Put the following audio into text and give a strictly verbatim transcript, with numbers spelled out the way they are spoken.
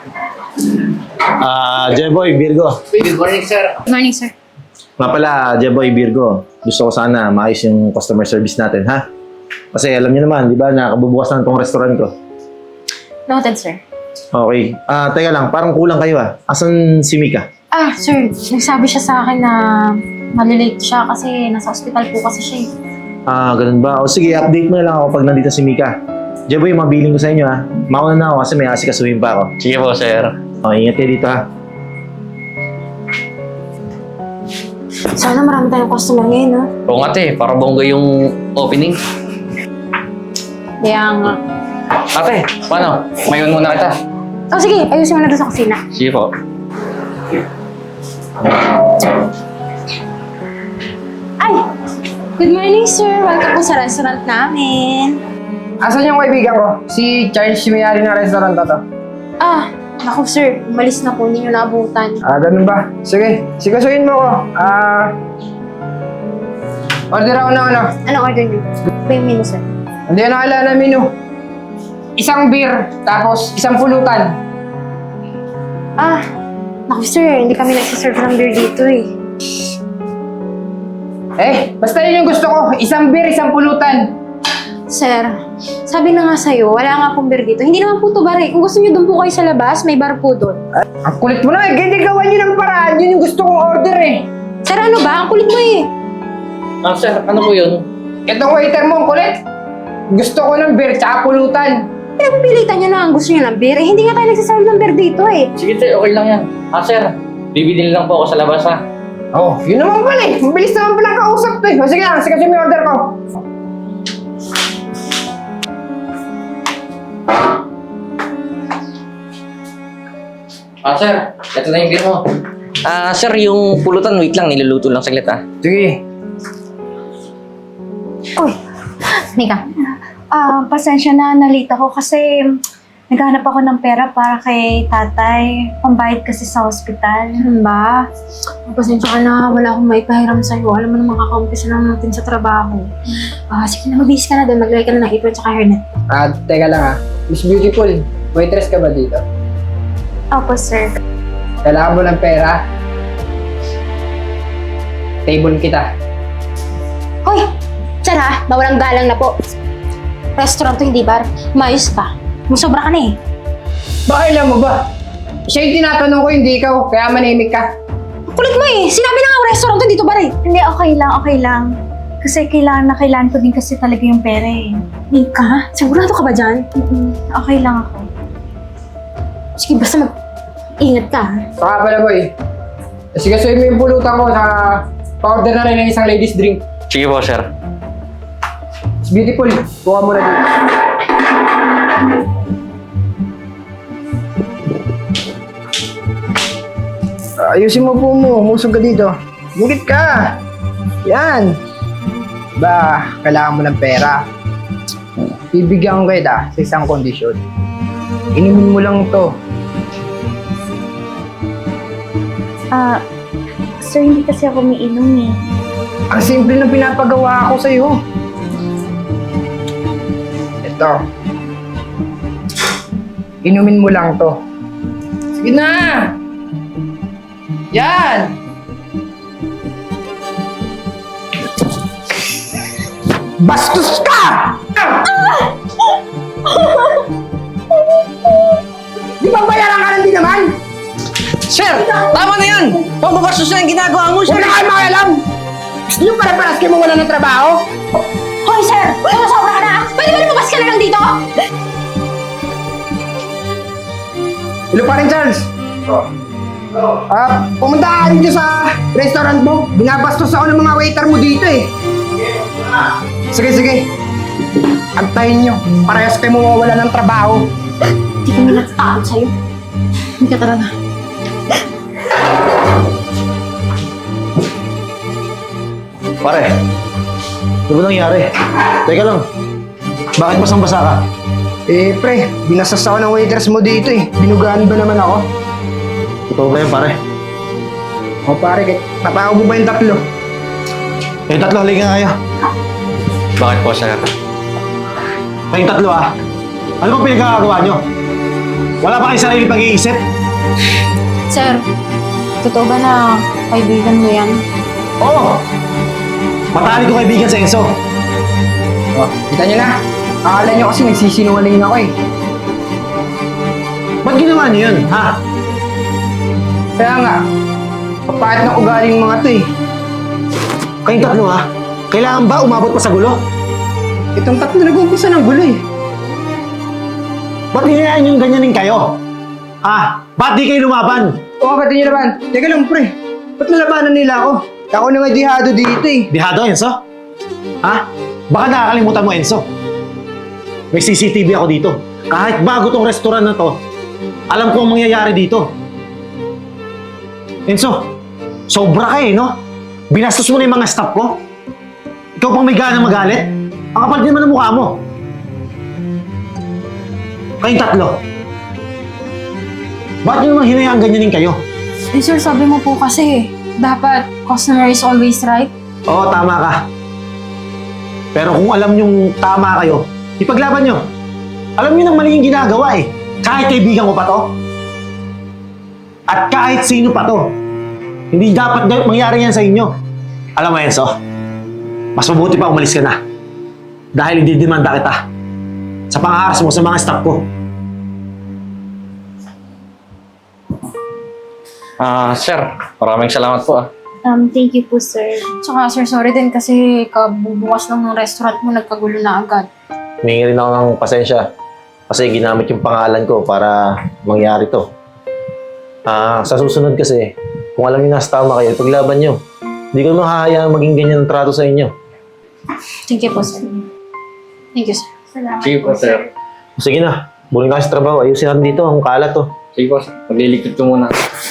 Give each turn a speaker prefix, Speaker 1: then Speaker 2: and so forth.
Speaker 1: Ah, Jeboy, Virgo.
Speaker 2: Good morning, sir.
Speaker 3: Good morning, sir.
Speaker 1: Nga pala, Jeboy, Virgo. Gusto ko sana maayos yung customer service natin, ha? Kasi alam niyo naman, di ba, nakabubukas na itong restaurant ko.
Speaker 3: Noted, sir.
Speaker 1: Okay. Ah, teka lang, parang kulang kayo, ah. Asan si Mika?
Speaker 3: Ah, sir, nagsabi siya sa akin na malilate siya kasi nasa ospital po kasi siya eh.
Speaker 1: Ah, ganun ba? O sige, update mo na lang ako pag nandito si Mika. Jeboy, mabiling ko sa inyo, ha? Mauna na ako kasi may asikasuhin pa ako.
Speaker 2: Sige po, sir.
Speaker 1: O, ingat kayo dito, ha?
Speaker 3: Sana marami tayong customer ngayon, no?
Speaker 2: Oo nga, te. Para bongga yung opening.
Speaker 3: Kaya nga.
Speaker 2: Ate, paano? Mayon muna kita.
Speaker 3: Oh, sige, ayusin mo na doon sa kusina.
Speaker 2: Sige po.
Speaker 3: Ay! Good morning, sir. Welcome po sa restaurant namin.
Speaker 4: Asan yung kaibigan ko? Si Charles, si may-ari ng restaurant na to.
Speaker 3: Ah, naku, sir. Umalis na po. Hindi nyo naabutan.
Speaker 4: Ah, ganun ba? Sige, sigasuin mo ko. Ah... order ako ng ano?
Speaker 3: Anong order nyo? Ba yung menu, sir?
Speaker 4: Hindi na nakilala menu. Isang beer, tapos isang pulutan.
Speaker 3: Ah, naku, sir. Hindi kami nagsiserve ng beer dito eh.
Speaker 4: Eh, basta yun yung gusto ko. Isang beer, isang pulutan.
Speaker 3: Sir, sabi na nga sa'yo, wala nga pong beer dito. Hindi naman po ito bar eh. Kung gusto nyo doon po kayo sa labas, may bar po doon.
Speaker 4: Ang kulit mo na eh. Hindi gawan nyo ng paraan. Yun yung gusto kong order eh.
Speaker 3: Sir, ano ba? Ang kulit mo eh.
Speaker 2: Ah, sir, ano po yun?
Speaker 4: Itong waiter mo, ang kulit. Gusto ko ng beer, tsaka pulutan.
Speaker 3: Pinagpipilitan nyo na ang gusto nyo ng beer. Eh, hindi nga tayo nagsaserve ng beer dito eh.
Speaker 2: Sige, te. Okay lang yan. Ah, sir. Bibili lang po ako sa labas, ha?
Speaker 4: Oh, yun naman pala eh. Mabilis naman pala kausap to eh. O sige lang, sigasuin mo yung order ko.
Speaker 2: Ah, sir. Ito na yung beer mo. Ah, sir, yung pulutan, wait lang. Niluluto lang saglit, ah.
Speaker 4: Sige.
Speaker 3: Uy, Mika. Ah, pasensya na, nalita ako kasi naghanap ako ng pera para kay tatay. Pambayad kasi sa hospital. Ano ba? Pasensya ka na, wala akong maipahiram sa'yo. Alam mo naman, kakaumpisa lang natin sa trabaho. Ah, sige na, mabihis ka na doon. Maglagay ka na ng apron tsaka hairnet.
Speaker 4: Ah, teka lang ah. Miss Beautiful, waitress ka ba dito?
Speaker 3: Opo, sir.
Speaker 4: Kailangan mo ng pera? Table kita.
Speaker 3: Hoy! Sir ha, mawalang galang na po. Restaurant to, hindi bar. Mayos ka. Musobra ka na eh.
Speaker 4: Baka alam mo ba? Siya yung tinatanong ko, hindi ikaw. Kaya manimik ka.
Speaker 3: Kulit mo eh. Sinabi na nga restaurant to, dito bar eh.
Speaker 5: Hindi, okay lang, okay lang. Kasi kailangan na kailangan ko din kasi talaga yung pera eh.
Speaker 3: Mika, sigurado ka ba dyan?
Speaker 5: Mm-mm, okay lang ako.
Speaker 3: Sige, basta mag-ingat ka ha.
Speaker 4: Saka pala boy. Sige, suyin mo yung pulutan ko sa pa-order na rin ng isang ladies drink.
Speaker 2: Sige po, sir.
Speaker 4: It's beautiful. Kuha mo na dito. Ayusin mo po mo. Musog ka dito. Mungkit ka. Yan. Ba, kailangan mo ng pera. Bibigyan ko kita sa isang kondisyon. Inumin mo lang to.
Speaker 5: Ah, sir, hindi kasi ako umiinom eh.
Speaker 4: Ang simple ng pinapagawa ko sa'yo. Ito. Inumin mo lang to. Sige na! Yan! Bastos ka! Di ba bayaran ka lang din naman?
Speaker 2: Sir, tama na yan! Pambabastos na yung ginagawa mo,
Speaker 4: Huwag
Speaker 2: sir!
Speaker 4: na kayo makialam! Gusto nyo para-paras kayo mawala ng trabaho?
Speaker 3: Hoy sir! Sumusobra ka na! Pwede ba lumabas ka na lang dito?
Speaker 4: Hello pa rin, Charles. Ah, pumunta ka rin dyan sa restaurant mo. Binabastos ako ng mga waiter mo dito eh. Sige, sige. Antayin nyo. Parehas kayo mawawala ng trabaho.
Speaker 3: Hindi kami natatakot sa'yo. Hindi ka talaga.
Speaker 1: Pare, ano ba nangyari? Teka lang, bakit basang-basa ka?
Speaker 4: Eh, pre, binasas ako ng waiters mo dito eh. Binugaan ba naman ako?
Speaker 1: Ikaw ba yun, pare?
Speaker 4: O pare, tatawag mo ba yung tatlo?
Speaker 1: Yung tatlo, halika nga kayo.
Speaker 2: Bakit po, sir?
Speaker 1: Kayong tatlo ah. Ano bang pinagkakagawa nyo? Wala ba kayong sarili pag-iisip?
Speaker 3: Sir, totoo ba na kaibigan mo yan?
Speaker 1: Oo! Matalik ko kaibigan sa Enzo.
Speaker 4: Oh, kita nyo na. Akala nyo kasi nagsisinungaling ako eh.
Speaker 1: Ba't ginawa niyo yun, ha?
Speaker 4: Kaya nga, papahit ng ugaling mga to eh.
Speaker 1: Kayong tatlo, ha? Kailangan ba umabot pa sa gulo?
Speaker 4: Itong tatlo nag-umpisa ng gulo eh.
Speaker 1: Ba't hinayaan yung ganyanin kayo? Ha? Ba't di kayo lumaban?
Speaker 4: O kapatid nyo naman, teka lang pre, ba't nalabanan nila ako? Ako na nga dihado dito eh.
Speaker 1: Dihado, Enzo? Ha? Baka nakakalimutan mo, Enzo. May C C T V ako dito. Kahit bago tong restaurant na to, alam ko ang mangyayari dito. Enzo, sobra ka eh, no? Binastos mo na yung mga staff ko. Ikaw pang may gana magalit. Ang kapal din naman ng mukha mo. Kayong tatlo. Bakit nyo naman hinayaan ganyanin kayo?
Speaker 3: Eh sir, sabi mo po kasi, dapat customer is always right.
Speaker 1: Oo, tama ka. Pero kung alam nyong tama kayo, ipaglaban nyo. Alam nyo nang mali yung ginagawa eh. Kahit kaibigan ko pa to. At kahit sino pa to. Hindi dapat na- mangyari yan sa inyo. Alam mo, Enzo, mas mabuti pa umalis ka na. Dahil hindi demanda kita sa pangaras mo sa mga staff ko.
Speaker 2: Ah, sir, maraming salamat po ah.
Speaker 5: Um, thank you po, sir.
Speaker 3: Tsaka sir, sorry din kasi kabubukas lang ng restaurant mo, nagkagulo na agad.
Speaker 1: Humingi rin ako ng pasensya kasi ginamit yung pangalan ko para mangyari to. Ah, sa susunod kasi, kung alam niyo nasa tama kayo, paglaban niyo. Hindi ko naman hahayaan maging ganyan ang trato sa inyo.
Speaker 3: Thank you po, sir. Thank you, sir.
Speaker 5: Salamat
Speaker 2: Sige po, sir.
Speaker 1: Sige na, buling ka sa trabaho. Ayusin natin dito, ang kalat to.
Speaker 2: Sige po, sir. Magliligpit ko muna.